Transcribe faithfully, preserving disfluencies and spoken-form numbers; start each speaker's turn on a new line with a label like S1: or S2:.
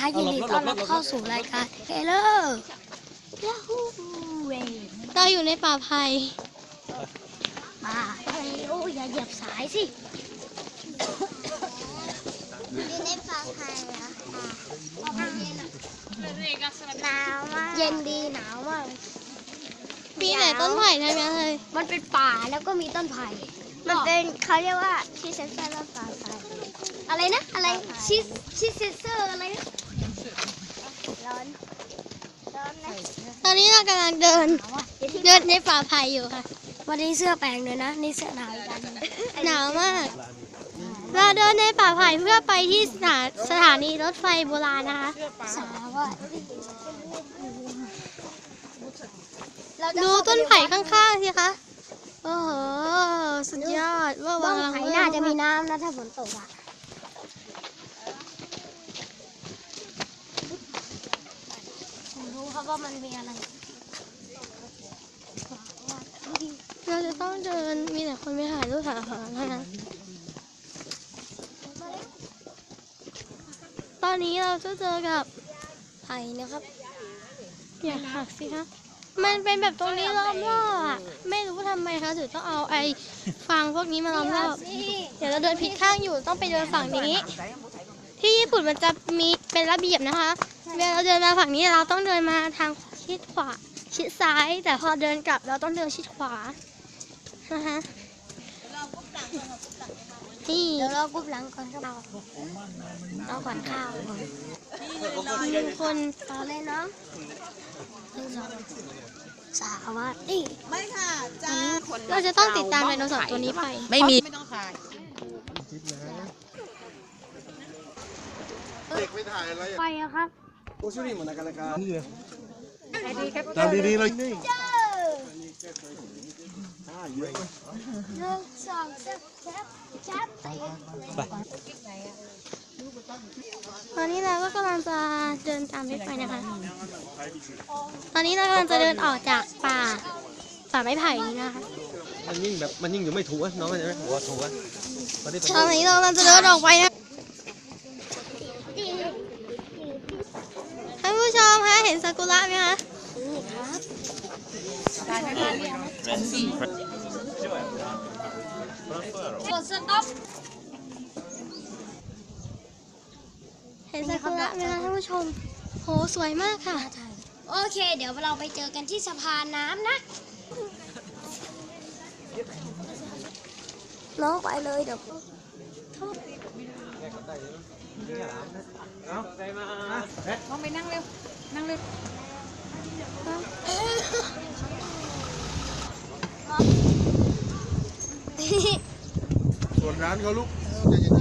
S1: คะยินดีต้อนรับเข้าสู่รายการเฮลโลยาฮูเวเราอยู่ในป่าไผ่มาโอ้ยอย่าเหยียบสายสิอยู่ในป่าไผ่เหรอหนาวมากเย็นดีหนาวมากปีไหนต้นไผ่ใช่ไหมเลยมันเป็นป่าแล้วก็มีต้นไผ่มันเป็นเขาเรียกว่าชีเซนเซอร์แล้วป่าไผ่อะไรนะอะไรชีชีเซนเซอร์อะไรนะร้อนร้อนนะตอนนี้เรากำลังเดินเดินในป่าไผ่อยู่ค่ะวันนี้เสื้อแปลงเลยนะนี่เสื้อหนาวกันหนาวมากเราเดินในป่าไผ่เพื่อไปที่สถานสถานีรถไฟโบราณนะคะสาวัสดูต้นไผ่ข้างๆสิคะโอ้โหสุดยอดว่าต้นไผ่น่าจะมีน้ำนะถ้าฝนตกอ่ะรู้ครับว่ามันมีอะไรเราจะต้องเดินมีแต่คนไปถ่ายรูปถ่ายอาหารนะคะตอนนี้เราจะเจอกับไผ่นะครับอย่าหักสิคะมันเป็นแบบตรงนี้ล้อมรอบอ่ะไม่รู้ทำไมคะถึงต้องเอาไอ้ฟางพวกนี้มาล้อมรอบเดี๋ยวเราเดินผิดข้างอยู่ต้องไปเดินฝั่งนี้ที่ญี่ปุ่นมันจะมีเป็นระเบียบนะคะเวลาเราเดินมาฝั่งนี้เราต้องเดินมาทางชิดขวาชิดซ้ายแต่พอเดินกลับเราต้องเดินชิดขวานะคะนี่เดี๋ยวเรากุบหลังก่อนครับเราเราขวัญข้าวมีคนต่อเลยเนาะสาวัสดีไม่ค่ะจ้าเราจะต้องติดตามไดโนเสาร์ตัวนี้ไป
S2: ไม่มี
S1: ไม่ต้องถ่าย
S3: เด็กไม่ถ่ายอะไร
S1: ไปอะครับ
S3: โอ้ชุดนี้เหมือนกันเลยครับ
S2: ตามดีๆเลย
S1: หนึ่งสองสามแคปแคปตอนนี้เราก็กำลังจะเดินตามรถไฟนะคะตอนนี้เรากำลังจะเดินออกจากป่าป่าไม้ไผ่นี้นะคะ
S3: มันยิ่งแบบมันยิ่งอยู่ไม่ถูกอ่ะน้องเข้าใจไหมหัวถูกอ่ะ
S1: ตอนนี้เรากำลังจะเดินออกไปนะท่านผู้ชมคะเห็นซากุระไหมคะนี่ครับกดสต็อปเห็นซากุระไหมคะท่านผู้ชมโหสวยมากค่ะโอเคเดี๋ยวเราไปเจอกันที่สะพานน้ำนะน้องไปเลยเดี๋ยว
S2: เอาใจมาน้องไปนั่งเร็วนั่งเร็ว
S3: ส่วนร้านเขาลูกใจเย็น